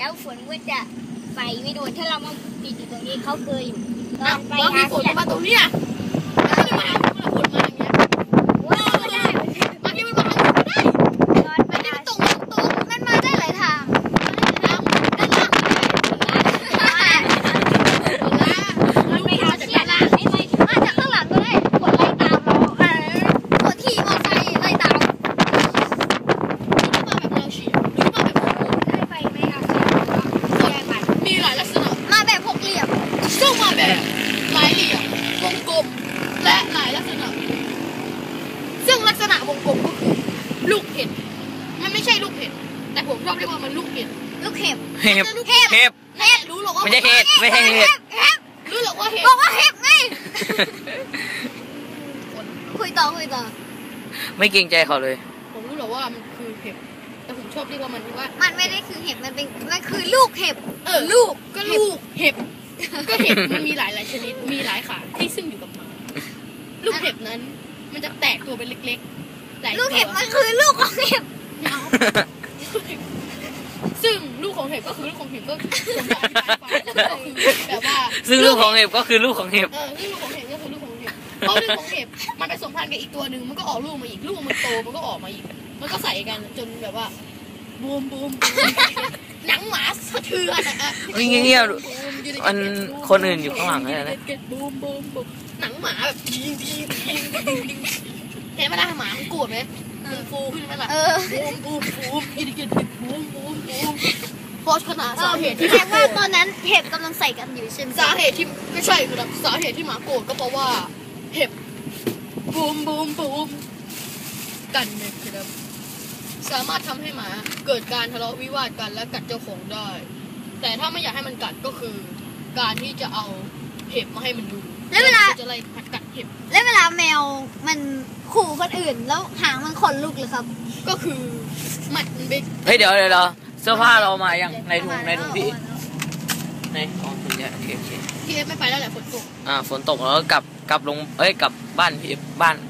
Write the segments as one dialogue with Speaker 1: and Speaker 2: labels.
Speaker 1: แล้วฝนก็จะไฟไม่โดนถ้าเรามาปิดอยู่ตรงนี้เขาเคยอยู่ตอนไป
Speaker 2: มีฝนมาตรงนี้ไม่ได้มาฝนมาอย่างเงี้ย
Speaker 1: ว้าวไม่ได้
Speaker 2: บางทีมันมาทางนี้ได้
Speaker 1: ตอนไป
Speaker 2: ไม่ได้ตรงมันมาได้หลายทางด้านล่าง
Speaker 1: มันไม่เอาเสียละไม่ไม่
Speaker 2: มาจากข้างหลังก็ได้ฝนไล่ตามเราฝนขี่มอเตอร์ไซค์ไล่ตามมาแบบแนวเฉียงหรือมาแบบ
Speaker 1: ได้ไปไม่เอาเสียละได้ไป
Speaker 2: มีหลายลักษณะมาแบบหกเหลี่ยมซึ่งมาแบบหลายเหลี่ยมวงกลมและหลายลักษณะซึ่งลักษณะวงกลมก็คือลูกเห็ดมันไม่ใช่ลูกเห็ดแต่ผมชอบเรียกว่ามันลูกเห็ดลูกเห็บ
Speaker 3: เห็บเห็บ
Speaker 2: เห็ดรู้หรอว่า
Speaker 3: ไม่ใช่เห็ดไม่ใช่เห็ด
Speaker 2: รู้หรอว่าเห็ดบอกว่าเห็บไงคุยต่อ
Speaker 3: ไม่เกรงใจเขาเลย
Speaker 2: ผมรู้หรอว่ามันคือเห็บแต่ผมชอบเรียกว่ามันว่า
Speaker 1: มันไม่ได้คือเห็บมันคือลูกเห็บ
Speaker 2: ลูกก็ลูกเห็บก็เห็บมันมีหลายชนิดมีหลายขาที่ซึ่งอยู่กับมันลูกเห็บนั้นมันจะแตกตัวเป็นเล็กๆหลายตัว
Speaker 1: ลูกเห็บมันคือลูกของเห็บ
Speaker 2: ซึ่งลูกของเห็บก็คือลูกของเห็บก็ผมจะอธิบายให้ฟังก็คือแบบว่า
Speaker 3: ซึ่งลูกของเห็บก็คือลูกของเห็บ
Speaker 2: ซึ่งลูกของเห็บก็คือลูกของเห็บเพราะลูกของเห็บมันผสมพันธุ์กับอีกตัวหนึ่งมันก็ออกลูกมาอีกลูกมันโตมันก็ออกมาอีกมันก็ใส่กันจนแบบว่าบูมหนังหมาสะเทือนอะ
Speaker 3: เงียบๆมันคนอื่นอยู่ข้างหลังเลยนะ
Speaker 2: บูมหนังหมาแบบยิงเห็นไหมล่ะหมามันโกรธไหมมันฟูขึ้นไหมล่ะบูมกินบูมเพราะขนาดสาเหตุที่
Speaker 1: แสดงว่าตอนนั้นเห็บกำลังใส่กันอยู่ใช่ไหม
Speaker 2: สาเหตุที่ไม่ใช่ครับสาเหตุที่หมาโกรธก็เพราะว่าเห็บบูมกันเนี่ยครับสามารถทำให้หมาเกิดการทะเลาะวิวาทกันและกัดเจ้าของได้แต่ถ้าไม่อยากให้มันกัดก็คือการที่จะเอาเห็บมาให้มันดูแล้วเวลาจะไล่กัดเห็บ
Speaker 1: แล้วเวลาแมวมันขู่คนอื่นแล้วหางมันขนลุกเลยครับ
Speaker 2: ก็คือมันเบก
Speaker 3: เฮ้ยเดี๋ยวเสื้อผ้าเรามายังในถุงพี่ในอ๋อคุณเนี่ยโอเค
Speaker 2: พี่เอฟไม่ไปแล้วแหละฝนตก
Speaker 3: ฝนตกแล้วก็กลับลงกลับบ้านพี่บ้าน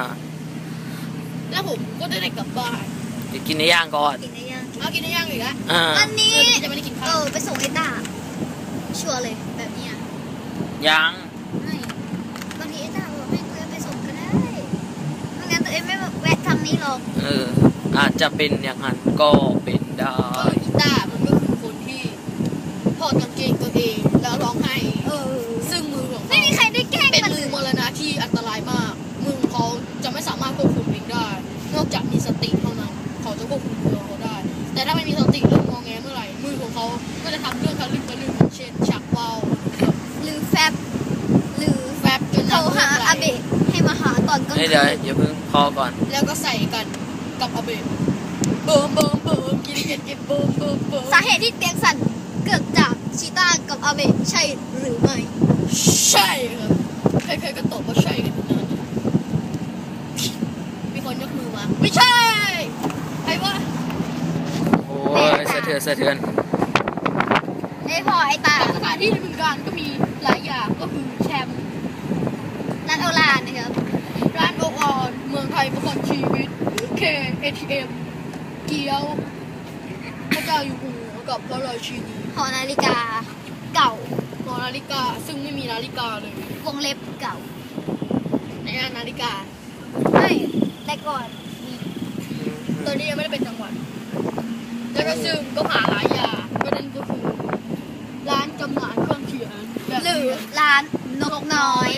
Speaker 2: แล้วผมก็ได้กลับบ้าน
Speaker 3: เดี๋ยวกินในย่างก่อน
Speaker 1: กินได้ยัง
Speaker 2: เอากินได้ย่างอีกแล้ว
Speaker 1: วันนี้
Speaker 2: จะไม่ได้กินข้าว
Speaker 1: ไปส่งไอ้ตาชัวร์เลยแบบนี้
Speaker 3: ยัง
Speaker 1: ไม่บางทีไอ้ตาบอกให้ตัวเองไปส่งก็ได้ไม่งั้นตัวเองไม่แวะทางนี้หรอก
Speaker 3: อาจจะเป็นอย่างนั้นก็เป็นได้
Speaker 2: กีตาร์มันก็คือคนที่ถอดกางเกงตัวเองแล้วร้องไห้ซึ่งมือของ
Speaker 1: ไม่มีใครได้แกล้ง
Speaker 2: เป็น
Speaker 1: มัน
Speaker 2: มื
Speaker 1: เล
Speaker 2: อย มรณะที่อันตรายมากมือของเขาจะไม่สามารถควบคุมเองได้นอกจากมีสติเท่านั้นเขาจะควบคุมมือเขาได้แต่ถ้าไม่มีสติเริ่มงอแงเมื่อไหร่มือของเขาก็จะทำเรื่องทะลึ่งเช่นชักเบา
Speaker 1: หรือแฟบหรือ
Speaker 2: แฟบจน
Speaker 1: โทรหาอาเบะให้มาหาตอนกลางคื
Speaker 3: เดี๋ยวน อย่าเพิ่งพอก่อน
Speaker 2: แล้วก็ใส่กันกับอาเบะเบิ่มกินเบิ่ม
Speaker 1: สาเหตุที่เตียงสั่นเกิดจากชีต้ากับอาเบะใช่หรือไม่
Speaker 2: ใช่ครับใครๆก็ตอบว่าใช่กันทุกนั้นมีคนยกมือมาไม่ใช่ใครวะ
Speaker 3: โอ้ยสะเทือน
Speaker 1: ไอ้พอไอ้ตา
Speaker 2: สถานที่ในบึงกาฬก็มีหลายอย่างก็คือแชมป์
Speaker 1: ร้านโอลานนะครับ
Speaker 2: ร้านโอออนเมืองไทยประกันชีวิต KATM เกี๊ยวพระเจ้าอยู่หัวกับพระราชินี
Speaker 1: หอนาฬิกาเก่า
Speaker 2: หอนาฬิกาซึ่งไม่มีนาฬิกาเลยว
Speaker 1: งเล็บเก่า
Speaker 2: ในนาฬิกา
Speaker 1: ไม่แต่ก่อนมี
Speaker 2: ตอนนี้ยังไม่ได้เป็นจังหวัดแล้วก็ซึ่งก็หาหลายอย่างประเด็นก็คือร้านจำหน่ายเครื่องเขียนแบบ
Speaker 1: หรือร้านนกน้อย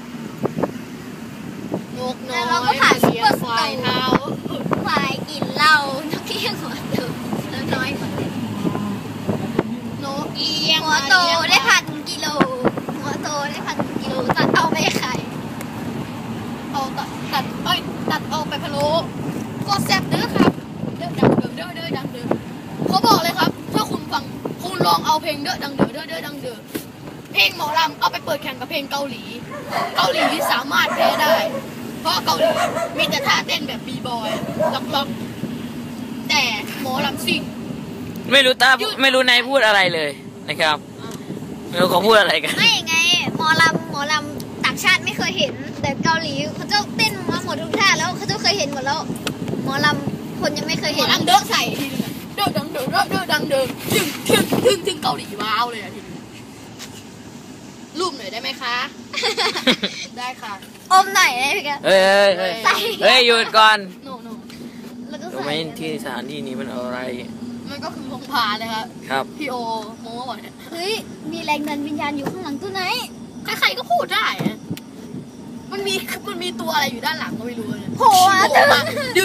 Speaker 2: นกน้อย
Speaker 1: แล้วเราก็ผ่านซุปเปอร์สโตร์
Speaker 2: ควายเท้า
Speaker 1: ควายกินเหล้านกเอี้ยงหัวโตแล้วน้อยกว่าเลย
Speaker 2: นกเอี้ยง
Speaker 1: หัวโตได้1,000 กิโลหัวโตได้1,000 กิโลตัดเอาไปขาย
Speaker 2: เอาตัดเอาไปพะโล้ก็แซ่บเด้อครับเด้อดังเด้อดังเด้อเขาบอกเลยครับถ้าคุณฟังคุณลองเอาเพลงเด้อดังเด้อดังเด้อเพลงหมอลำเอาไปเปิดแข่งกับเพลงเกาหลีสามารถแพ้ได้ เพราะเกาหลีมีแต่ท่าเต้นแบบบีบอยล็อกแต่หมอลำซิ่ง
Speaker 3: ไม่รู้นายพูดอะไรเลยนะครับไม่รู้เขาพูดอะไรกัน
Speaker 1: ไม่ไงหมอลำต่างชาติไม่เคยเห็น แต่เกาหลีเขาจะเต้นมาหมดทุกท่าแล้วเขาจะเคยเห็นหมดแล้วหมอลำคนยังไม่เคย
Speaker 2: หม
Speaker 1: เห็
Speaker 2: อน ลำเด้อใส่ทีนึงเด้ด้อดังเด้อเด้อดังเด้อถึงเกาหลีว้าวเลยอ่ะทีนี้รูปหน่อยได้ไหมคะได้ค่ะ
Speaker 1: อมไหนเลยพี่แก
Speaker 3: เฮ้ยหยุดก่อน
Speaker 2: โน
Speaker 1: แล้วก็
Speaker 3: รู้ไหม
Speaker 1: ใส่
Speaker 3: ที่สถานที่นี้มันอะไร
Speaker 2: มันก็คือพงพาเลยครับ
Speaker 3: ครับ
Speaker 2: พี่โอโม้บอกเนี่ย
Speaker 1: เฮ้ยมีแรงดันวิญญาณอยู่ข้างหลังตัวไหน
Speaker 2: ใครๆก็พูดได้อะมันมีตัวอะไรอยู่ด้านหลังก็ไม่รู้เนี่ย
Speaker 1: โผล่มาเถอะ
Speaker 2: ดื้อ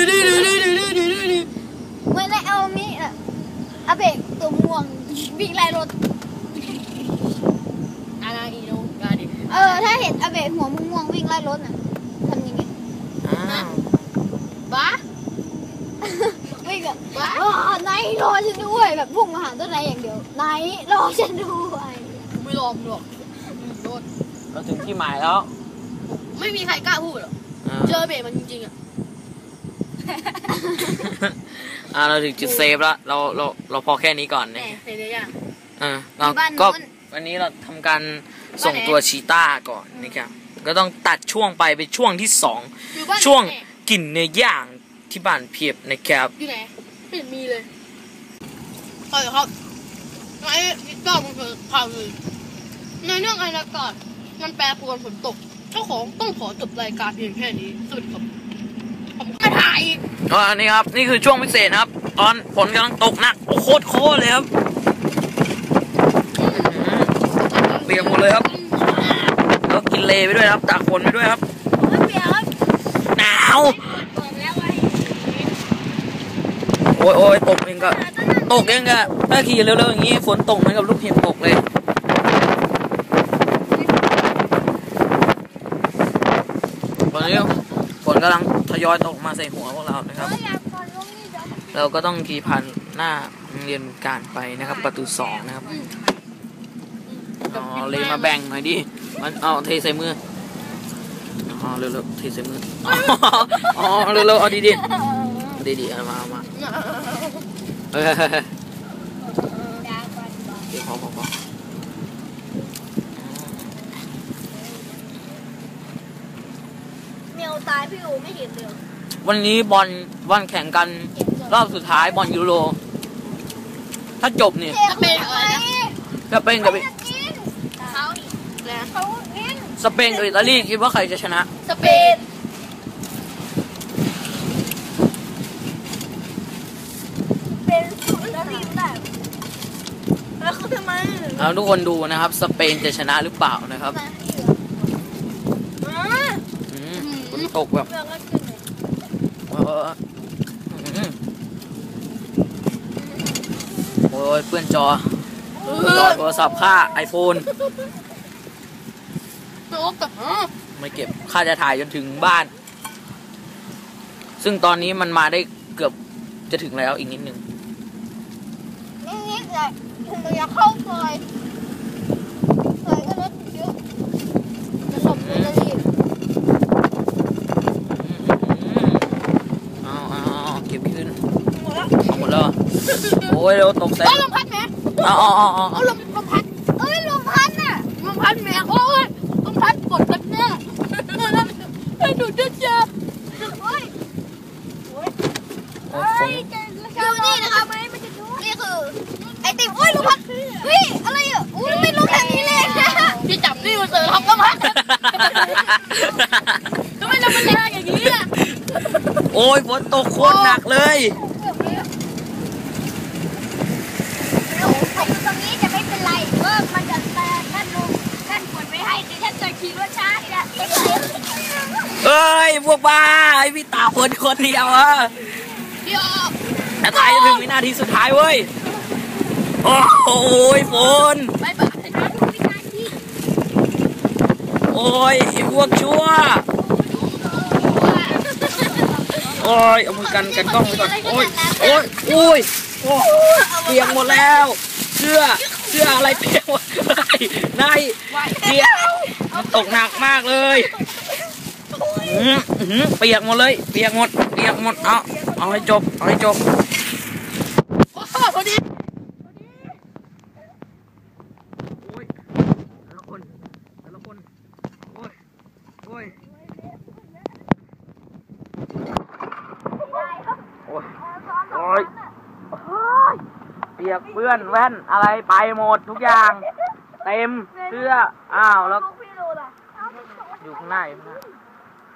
Speaker 1: เมื่อไรเอามีอาเบกตัวม่วงวิ่งไล่รถ
Speaker 2: อะไรอีโนกาดิ
Speaker 1: ถ้าเห็นอาเบกหัวม่วงวิ่งไล่รถน่ะทำยังไง
Speaker 3: อ้าว
Speaker 2: บ้า
Speaker 1: วิ่งแบบนายรอฉันด้วยแบบพุ่งมาหาต้นไม้อย่างเดียวนายรอฉันด้วย
Speaker 2: กูไม่รอมหรอกโดน
Speaker 3: เราถึงที่หมายแล้ว
Speaker 2: ไม่มีใครกล้าพูดหรอกเจอเบรมันจริงๆอ่ะ
Speaker 3: เราถึงจุดเซฟแล้วเราพอแค่นี้ก่อน
Speaker 2: แหม
Speaker 3: เนี่ย
Speaker 2: เห็นเลยยัง
Speaker 3: เราก็วันนี้เราทำการส่งตัวชีต้าก่อนนะครับก็ต้องตัดช่วงไปเป็นช่วงที่สอง
Speaker 2: อยู่บ้าน
Speaker 3: ช่วงกลิ่นเนื้อย่างที่บ้านเพียบนะครับ
Speaker 2: อยู่ไหนไม่เห็นมีเลยใช่ครับไอ้พิซซ่ามันคือข่าวเลยในเรื่องอากาศมันแปรปรวนฝนตกเจ้าของต้องขอจบรายการเพียงแค่นี้สวัสดีครับผมไม่ถ่ายอีก
Speaker 3: อันนี้ครับนี่คือช่วงพิเศษนะครับ ตอนฝนกำลังตกหนักโคตรเลยครับเปียกหมดเลยครับแล้วกินเลไปด้วยครับตากฝนไปด้วยครับ
Speaker 1: ไม่เปียก
Speaker 3: หนาว
Speaker 1: บอกแล้วไว้
Speaker 3: โอ้ยตกเองก็ถ้าขี่เร็วๆอย่างนี้ฝนตกเหมือนกับลูกเห็บตกเลยตอนนี้ฝนกำลังทยอยตกมาใส่หัวพวกเรานะครับเราก็ต้องขี่ผ่านหน้าโรงเรียนการไปนะครับประตู2นะครับเลยมาแบ่งหน่อยดิมันเทใส่มือเร็วๆเทใส่มือเร็วๆเอาดีเอามาเดี๋ยวพอ
Speaker 1: เมียวตายพี่อูไม่เห็นเลย
Speaker 3: วันนี้บอลแข่งกันรอบสุดท้ายบอลยูโรถ้าจบเนี่ย
Speaker 2: จะเป็นอะไรนะ
Speaker 3: จะเป็นกับ
Speaker 2: เขาอีกแล้ว
Speaker 1: เขาเล่น
Speaker 3: สเปนกับอิตาลีคิดว่าใครจะชนะ
Speaker 2: สเปน
Speaker 1: เป็นสุดแล้วทีมได้แล้วเขาทำไม
Speaker 3: ทุกคนดูนะครับสเปนจะชนะหรือเปล่านะครับฝนตกแบบโอ้ยเพื่อนจอโทรศัพท์ค่า iPhone ไม่เก็บค่าจะถ่ายจนถึงบ้าน ซึ่งตอนนี้มันมาได้เกือบจะถึงแล้วอีกนิดนึง
Speaker 1: นี่เลยผมอยากเข้าซอยก็รถเยอะจะหลบเลย
Speaker 3: เก็บขึ้นหมดแล้วโอ้ยเร็วตกใส่
Speaker 2: ลมพัดไหม
Speaker 3: เอา
Speaker 2: ลมพัด
Speaker 1: ลมพัดน่ะ
Speaker 2: ลมพัดแม่โอ้ยลมพัดกดกันแน่ให้ดูเจ้า
Speaker 1: โอ้ย
Speaker 3: ฝน
Speaker 1: ดูนี่นะครับนี่คือไอติมโอ้ยลมพัดเฮ้ยอะไรอ่ะอู้ไม่รู้แบบนี้เลย
Speaker 2: พี่จับนี่มาเจอทำลมพัดทำไมเราเป็นแรงอย่างนี้ล่ะ
Speaker 3: โอ้ยฝนตกโคตรหนักเลย
Speaker 1: ใครอยู่ตรงนี้จะไม่เป็นไรว่ามันจะแต่ท่านลุงท่านกดไม่ให้ดิฉันจะขี่รถช้าทีละ
Speaker 3: เอ้ยพวกบ้าไอพี่ตาคนเดียวอะแต่ตายจะถึงวินาทีสุดท้ายเว้ยโอ้ยฝน
Speaker 2: บ๊ายบาย
Speaker 3: โอ้ยพวกชั่วโอ้ยเอามือกันกล้องไว้ก่อนโอ้ยเปียกหมดแล้วเสื้ออะไรเปียกหมดเลยนายเปียกมันตกหนักมากเลยเปียกหมดเลยเปียกหมดเอาให้จบ
Speaker 2: พอดี
Speaker 3: โอ้ยแต่ละคนโอ้ยโอ้ยเปียกเปื้อนแว่นอะไรไปหมดทุกอย่าง เต็มเสื้ออ้าวแล้ว
Speaker 1: ลูกพี่ดูล่ะ
Speaker 3: อยู่ข้างหน้าอยู่ข้างหน้า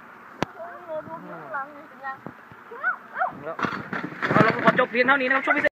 Speaker 1: ดูข้างหลังอยู่เป็นยัง
Speaker 3: แล้วเราขอจบเพียงเท่านี้นะครับช่วงพิเศษ